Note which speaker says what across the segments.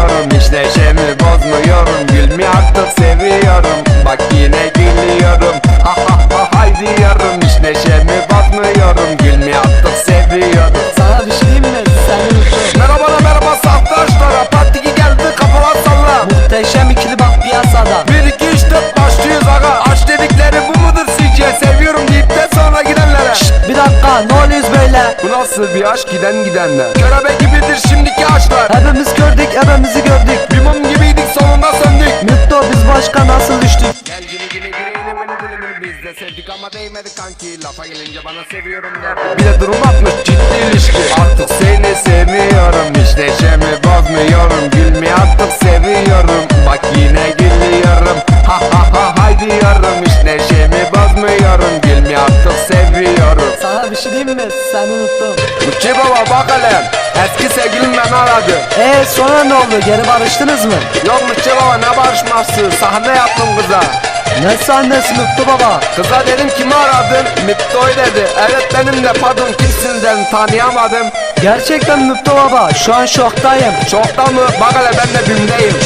Speaker 1: seviyorum, hiç neşemi bozmuyorum. Gülmeyi artık seviyorum, bak yine gülüyorum. Ha ha ha hay diyorum, hiç neşemi bozmuyorum. Gülmeyi artık seviyorum.
Speaker 2: Sana bir şey diyeyim mi? Seni unuttum.
Speaker 1: Merhaba merhaba saftaşlara, partiki geldi kafalar salla.
Speaker 2: Muhteşem ikili bak piyasada.
Speaker 1: 1 2 3 4 başlıyoruz aga. Aşk dedikleri bu mudur sizce? Seviyorum deyip de sonra gidenlere.
Speaker 2: Bir dakika, ne oluyoruz böyle?
Speaker 1: Bu nasıl bir aşk, giden gidenler? Körebe gibidir şimdiki aşklar.
Speaker 2: Hepimiz gördük, hepimizi gördük.
Speaker 1: Bir mum gibiydik, sonunda söndük.
Speaker 2: Mutlu, biz başka nasıl düştük?
Speaker 1: Gel gini gini girelim beni dilimini, biz de sevdik ama değmedi kanki. Lafa gelince bana seviyorum der. Bir de durum atmış ciddi ilişki. Artık seni seviyorum, hiç neşemi bozmuyorum. Gülmeyi artık seviyorum, bak yine gülüyorum. Ha ha ha hay diyorum, hiç neşemi bozmuyorum. Gülmeyi artık seviyorum.
Speaker 2: Sana bir şey diyeyim mi? Seni unuttum.
Speaker 1: Uçi baba bak hele, eski sevgilim beni aradı.
Speaker 2: Sonra ne oldu? Geri barıştınız mı?
Speaker 1: Yok Uçi baba, ne barışması, sahne yaptım kıza.
Speaker 2: Ne sahnesi Mutlu baba?
Speaker 1: Kıza dedim kimi aradın? Miptoy dedi. Evet benim de, pardon kimsin dedim, tanıyamadım.
Speaker 2: Gerçekten Mutlu baba, şu an şoktayım.
Speaker 1: Şokta mı? Bak hele ben de bimdeyim.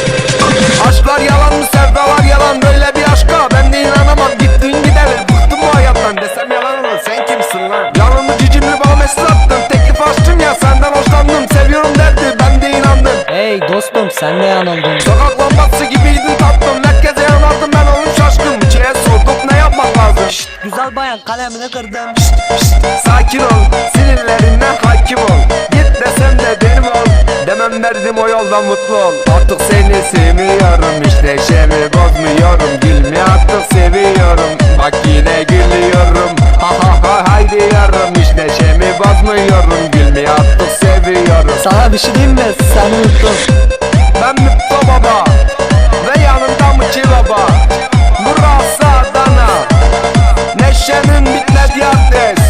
Speaker 1: Aşklar yalan mı, sevdalar yalan, böyle bir aşka ben de inanamam. Gittin gidelim, bıktım bu hayattan, desem yalan olur. Sen kimsin lan? Yanımda cicimli bana mesaj attın, teklif açtım ya, senden hoşlandım. Seviyorum derdi, ben de inandım.
Speaker 2: Hey dostum, sen ne yanıldın?
Speaker 1: Sokak lambası gibiydin tatlım, merkeze yanardım ben, oğlum şaşkın. Çiğe sorduk, ne yapmak lazım?
Speaker 2: Güzel bayan, kalemini kırdım.
Speaker 1: Sakin ol, sinirlerinden hakim ol. Git desem de benim ol, demem derdim o yoldan mutlu ol. Artık seni sevmiyorum, hiç neşemi bozmuyorum. Gülmeyi artık seviyorum, bak yine gülüyorum. Ha ha ha hay diyorum, hiç neşemi bozmuyorum. Gülmeyi artık seviyorum.
Speaker 2: Sana bir şey diyeyim mi? Seni unuttum.
Speaker 1: Ben Mutlu Baba ve yanımda Mıçı Baba. Burası Adana, neşenin bitmediği adres.